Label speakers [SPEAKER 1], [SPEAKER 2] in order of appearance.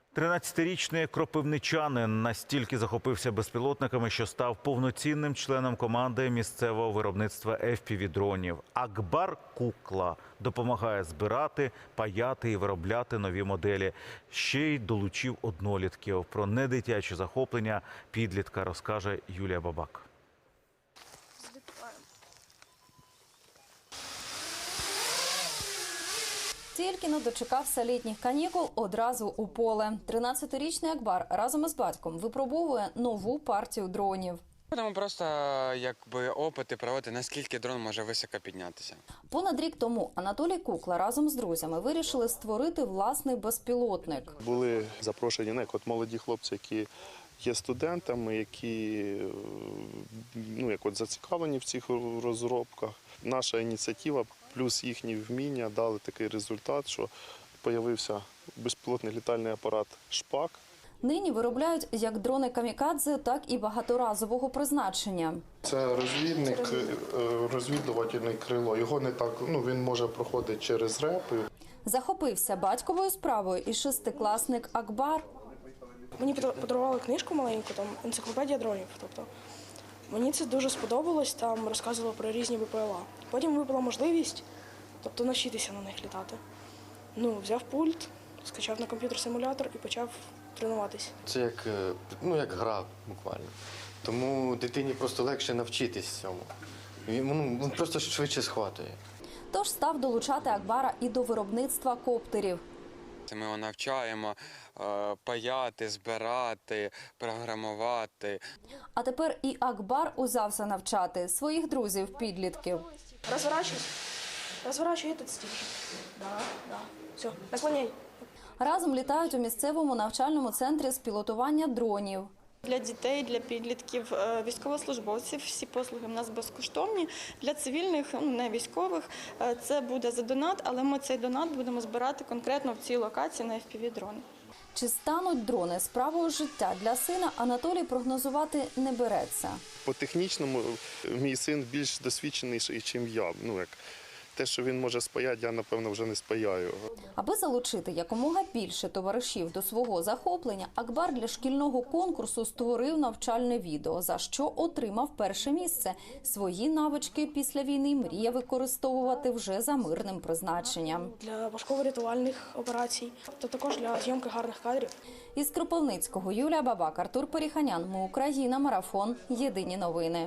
[SPEAKER 1] 13-річний кропивничанин настільки захопився безпілотниками, що став повноцінним членом команди місцевого виробництва FPV-дронів. Акбар Кукла допомагає збирати, паяти і виробляти нові моделі. Ще й долучив однолітків. Про недитячі захоплення підлітка розкаже Юлія Бабак.
[SPEAKER 2] Тільки не дочекався літніх канікул, одразу у поле. 13-річний Акбар разом із батьком випробовує нову партію дронів.
[SPEAKER 3] Будемо просто опити проводити, наскільки дрон може високо піднятися.
[SPEAKER 2] Понад рік тому Анатолій Кукла разом з друзями вирішили створити власний безпілотник.
[SPEAKER 4] Були запрошені молоді хлопці, які є студентами, які зацікавлені в цих розробках. Наша ініціатива плюс їхні вміння дали такий результат, що з'явився безпілотний літальний апарат «Шпак».
[SPEAKER 2] Нині виробляють як дрони камікадзе, так і багаторазового призначення.
[SPEAKER 4] Це розвідувальне крило. Його не так, він може проходити через репи.
[SPEAKER 2] Захопився батьковою справою і шестикласник Акбар.
[SPEAKER 5] Мені подарували книжку маленьку, там енциклопедія дронів. Мені це дуже сподобалось, там розказували про різні БПЛА. Потім випала можливість, навчитися на них літати. Взяв пульт, скачав на комп'ютер симулятор і почав тренуватись.
[SPEAKER 6] Це як гра буквально. Тому дитині просто легше навчитись цьому. Він просто швидше схватує.
[SPEAKER 2] Тож став долучати Акбара і до виробництва коптерів.
[SPEAKER 3] Ми його навчаємо паяти, збирати, програмувати.
[SPEAKER 2] А тепер і Акбар узявся навчати своїх друзів-підлітків.
[SPEAKER 5] Розворачуй этот стиль. Да. Все, наклоняй.
[SPEAKER 2] Разом літають у місцевому навчальному центрі з пілотування дронів.
[SPEAKER 7] Для дітей, для підлітків, військовослужбовців всі послуги в нас безкоштовні. Для цивільних, не військових, це буде за донат, але ми цей донат будемо збирати конкретно в цій локації на FPV-дрони.
[SPEAKER 2] Чи стануть дрони справою життя для сина, Анатолій прогнозувати не береться.
[SPEAKER 4] По технічному мій син більш досвідчений, ніж я. Те, що він може спаяти, я, напевно, вже не спаяю.
[SPEAKER 2] Аби залучити якомога більше товаришів до свого захоплення, Акбар для шкільного конкурсу створив навчальне відео, за що отримав перше місце. Свої навички після війни мріє використовувати вже за мирним призначенням.
[SPEAKER 5] Для важково-рятувальних операцій, та також для зйомки гарних кадрів.
[SPEAKER 2] Із Кропивницького Юлія Бабак, Артур Періханян. Ми Україна. Марафон. Єдині новини.